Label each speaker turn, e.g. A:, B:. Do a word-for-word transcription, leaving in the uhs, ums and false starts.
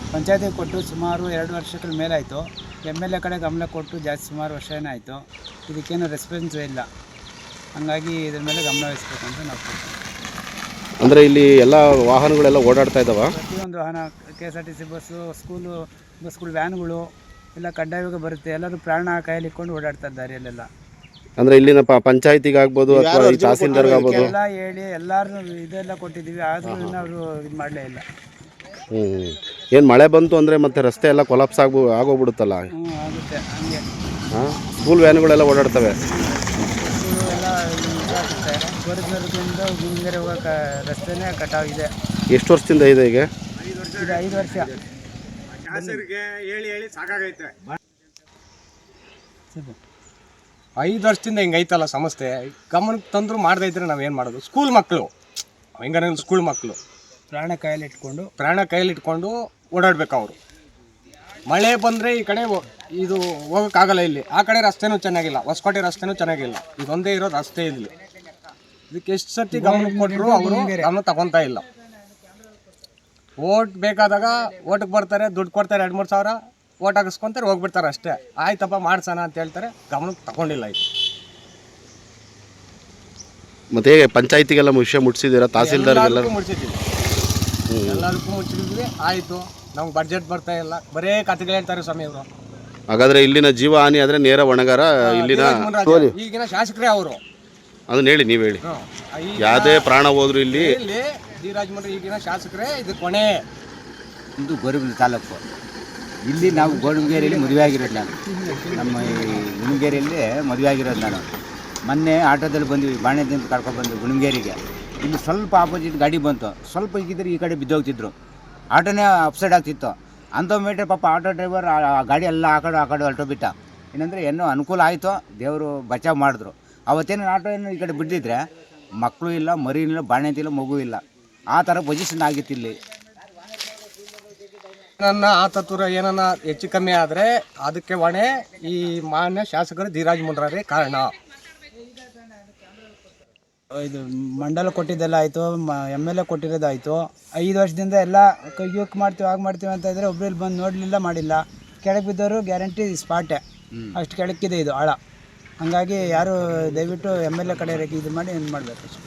A: ಪಂಚಾಯತಿಗೆ ಕೊಟ್ಟು ಸುಮಾರು ಎರಡು ವರ್ಷಗಳ ಮೇಲಾಯಿತು. ಎಮ್ ಎಲ್ ಎ ಕಡೆ ಗಮನ ಕೊಟ್ಟು ಜಾಸ್ತಿ ಸುಮಾರು ವರ್ಷ ಏನಾಯಿತು, ಇದಕ್ಕೇನು ರೆಸ್ಪಾನ್ಸೇ ಇಲ್ಲ. ಹಂಗಾಗಿ ಇದ್ರ ಮೇಲೆ ಗಮನ ವಹಿಸ್ಬೇಕು ಅಂತ ನಾವು ಕೊಡ್ತೀವಿ.
B: ಅಂದರೆ ಇಲ್ಲಿ ಎಲ್ಲ ವಾಹನಗಳೆಲ್ಲ ಓಡಾಡ್ತಾ ಇದ್ದಾವೆ.
A: ಪ್ರತಿಯೊಂದು ವಾಹನ, K S R T C bus, school ಬಸ್ಗಳು, ವ್ಯಾನ್ಗಳು ಎಲ್ಲ ಕಡ್ಡಾಯವಾಗಿ ಬರುತ್ತೆ. ಎಲ್ಲರೂ ಪ್ರಾಣ ಕೈಯಲ್ಲಿ ಇಟ್ಕೊಂಡು ಓಡಾಡ್ತಾ ಇದ್ದಾರೆ ಅಲ್ಲೆಲ್ಲ.
B: ಅಂದರೆ ಇಲ್ಲಿನ ಪ ಪಂಚಾಯತಿಗೆ ಆಗ್ಬೋದು ಅಥವಾ ಈ ತಹಸೀಲ್ದಾರ್ಗೆ ಆಗ್ಬೋದು
A: ಎಲ್ಲ ಹೇಳಿ ಎಲ್ಲರೂ ಇದೆಲ್ಲ ಕೊಟ್ಟಿದ್ದೀವಿ, ಆದರೂ ಅವರು ಇದು ಮಾಡಲೇ ಇಲ್ಲ.
B: ಹ್ಞೂ ಏನು ಮಳೆ ಬಂತು ಅಂದರೆ ಮತ್ತೆ ರಸ್ತೆ ಎಲ್ಲ ಕೊಲಾಪ್ಸ್ ಆಗ್ಬೋ ಆಗೋಗ್ಬಿಡುತ್ತಲ್ಲ.
A: ಹ್ಞೂ ಆಗುತ್ತೆ ಹಂಗೆ.
B: ಹಾಂ, ಸ್ಕೂಲ್ ವ್ಯಾನ್ಗಳೆಲ್ಲ ಓಡಾಡ್ತವೆ.
A: ಸ್ಕೂಲು ಎಲ್ಲ ಇದಾಗುತ್ತೆ. ಗೋರಿಬೆರಗಿಂದ ಗುಂಗೆರೆ ಹೋಗೋಕೆ ರಸ್ತೆನೇ ಕಟಾವಿದೆ.
B: ಎಷ್ಟು ವರ್ಷದಿಂದ ಇದೆ ಈಗ?
A: ಇದು ಐದು ವರ್ಷ.
C: ಹೇಳಿ ಹೇಳಿ ಸಾಕಾಗೈತೆ. ಐದು ವರ್ಷದಿಂದ ಹಿಂಗೆ ಐತಲ್ಲ ಸಮಸ್ಯೆ, ಗಮನಕ್ಕೆ ತಂದರೂ ಮಾಡದೇ ಇದ್ರೆ ನಾವೇನು ಮಾಡೋದು? ಸ್ಕೂಲ್ ಮಕ್ಕಳು ಹೆಂಗಾರ ಸ್ಕೂಲ್ ಮಕ್ಕಳು
A: ಪ್ರಾಣ ಕೈಯಲ್ಲಿ ಇಟ್ಕೊಂಡು
C: ಪ್ರಾಣ ಕೈಯಲ್ಲಿ ಇಟ್ಕೊಂಡು ಓಡಾಡ್ಬೇಕು ಅವರು. ಮಳೆ ಬಂದರೆ ಈ ಕಡೆ ಇದು ಹೋಗೋಕ್ಕಾಗಲ್ಲ. ಇಲ್ಲಿ ಆ ಕಡೆ ರಸ್ತೆನೂ ಚೆನ್ನಾಗಿಲ್ಲ, ಹೊಸಕೋಟೆ ರಸ್ತೆನೂ ಚೆನ್ನಾಗಿಲ್ಲ. ಇದೊಂದೇ ಇರೋ ರಸ್ತೆ ಇಲ್ಲಿ. ಇದಕ್ಕೆ ಎಷ್ಟು ಸರ್ತಿ ಗಮನ ಕೊಟ್ಟರು ಅವರು ಗಮನ ತಗೊತಾ ಇಲ್ಲ. ಓಟ್ ಬೇಕಾದಾಗ ಓಟಿಗೆ ಬರ್ತಾರೆ, ದುಡ್ಡು ಕೊಡ್ತಾರೆ, ಎರಡು ಮೂರು ಸಾವಿರ ಓಟ್ ಹಾಕಿಸ್ಕೊತಾರೆ, ಹೋಗ್ಬಿಡ್ತಾರೆ ಅಷ್ಟೇ. ಆಯ್ತಪ್ಪ ಮಾಡ್ಸೋಣ ಅಂತ ಹೇಳ್ತಾರೆ, ಗಮನಕ್ಕೆ ತಗೊಂಡಿಲ್ಲ. ಇದು
B: ಮತ್ತೆ ಹೇಗೆ ಪಂಚಾಯತಿಗೆಲ್ಲ ವಿಷಯ ಮುಟ್ಸಿದ್ದೀರಾ? ತಹಸೀಲ್ದಾರ್ಗೆಲ್ಲ
C: ಮುಟ್ಸಿದ್ದೀವಿ, ಎಲ್ಲದಕ್ಕೂ ಮುಚ್ಚಿದ್ವಿ. ಆಯಿತು, ನಮ್ಗೆ ಬಡ್ಜೆಟ್ ಬರ್ತಾ ಇಲ್ಲ, ಬರೇ ಕತೆಗಳು ಹೇಳ್ತಾರೆ ಸ್ವಾಮಿ ಅವರು.
B: ಹಾಗಾದರೆ ಇಲ್ಲಿನ ಜೀವ ಹಾನಿ ಆದರೆ ನೇರ ಹೊಣೆಗಾರ ಇಲ್ಲಿನ
C: ಈಗಿನ ಶಾಸಕರೇ ಅವರು.
B: ಅದನ್ನ ಹೇಳಿ, ನೀವು ಹೇಳಿ. ಯಾವುದೇ ಪ್ರಾಣ ಹೋದ್ರು ಇಲ್ಲಿ
C: ಇಲ್ಲಿ ಡಿ ರಾಜಮಂಡ್ರಿ ಈಗಿನ ಶಾಸಕರೇ ಇದು ಕೊನೆ.
D: ಇದು ಗೋರಿಬೆಲೆ ತಾಲೂಕು. ಇಲ್ಲಿ ನಾವು ಗೋಣಿಗೇರಿಯಲ್ಲಿ ಮದುವೆ ಆಗಿರೋದು. ನಾನು ನಮ್ಮ ಈ ಗುಣಿಗೇರಿಯಲ್ಲಿ ಮದುವೆ ಆಗಿರೋದು. ನಾನು ಮೊನ್ನೆ ಆಟೋದಲ್ಲಿ ಬಂದ್ವಿ, ಬಾಣೆದಿಂದ ಕರ್ಕೊಂಡು ಬಂದ್ವಿ ಗುಣಿಗೇರಿಗೆ. ಇಲ್ಲಿ ಸ್ವಲ್ಪ ಆಪೋಸಿಟ್ ಗಾಡಿ ಬಂತು, ಸ್ವಲ್ಪ ಈಗಿದ್ರೆ ಈ ಕಡೆ ಬಿದ್ದೋಗ್ತಿದ್ರು, ಆಟೋನೇ ಅಪ್ಸೈಡ್ ಆಗ್ತಿತ್ತು. ಅಂಥ ಮೀಟ್ರ್ ಪಾಪ ಆಟೋ ಡ್ರೈವರ್ ಆ ಗಾಡಿ ಎಲ್ಲ ಆ ಕಡೆ ಆ ಕಡೆ ಹೊರಟೋಗ್ಬಿಟ್ಟ. ಏನಂದರೆ ಏನೋ ಅನುಕೂಲ ಆಯಿತು, ದೇವರು ಬಚಾವ್ ಮಾಡಿದ್ರು. ಅವತ್ತೇನು ಆಟೋ ಏನು ಈ ಕಡೆ ಬಿದ್ದಿದ್ರೆ ಮಕ್ಕಳು ಇಲ್ಲ, ಮರಿ ಇಲ್ಲ, ಬಾಣೆತಿ ಇಲ್ಲ, ಮಗು ಇಲ್ಲ, ಆ ಥರ ಪೊಸಿಷನ್ ಆಗಿತ್ತು ಇಲ್ಲಿ.
C: ನನ್ನ ಆತತುರ ಏನನ್ನ ಹೆಚ್ಚು ಕಮ್ಮಿ ಆದರೆ ಅದಕ್ಕೆ ಹೊಣೆ ಈ ಮಾನ್ಯ ಶಾಸಕರು ಡಿ ರಾಜಮಂಡ್ರಿ ಕಾರಣ.
A: ಇದು ಮಂಡಲ ಕೊಟ್ಟಿದ್ದೆಲ್ಲ ಆಯಿತು, ಎಮ್ ಎಲ್ ಎ ಕೊಟ್ಟಿರೋದಾಯಿತು. ಐದು ವರ್ಷದಿಂದ ಎಲ್ಲ ಕೈಯೋಕೆ ಮಾಡ್ತೀವಿ, ಆಗ ಮಾಡ್ತೀವಿ ಅಂತ ಇದ್ದರೆ ಒಬ್ಬರು ಇಲ್ಲಿ ಬಂದು ನೋಡಲಿಲ್ಲ, ಮಾಡಿಲ್ಲ. ಕೆಳಗೆ ಬಿದ್ದವರು ಗ್ಯಾರಂಟಿ ಸ್ಪಾಟೆ, ಅಷ್ಟು ಕೆಳಕ್ಕಿದೆ ಇದು ಆಳ. ಹಾಗಾಗಿ ಯಾರು ದಯವಿಟ್ಟು ಎಮ್ ಎಲ್ ಎ ಕಡೆ ಇದು ಮಾಡಿ ಏನು ಮಾಡಬೇಕು.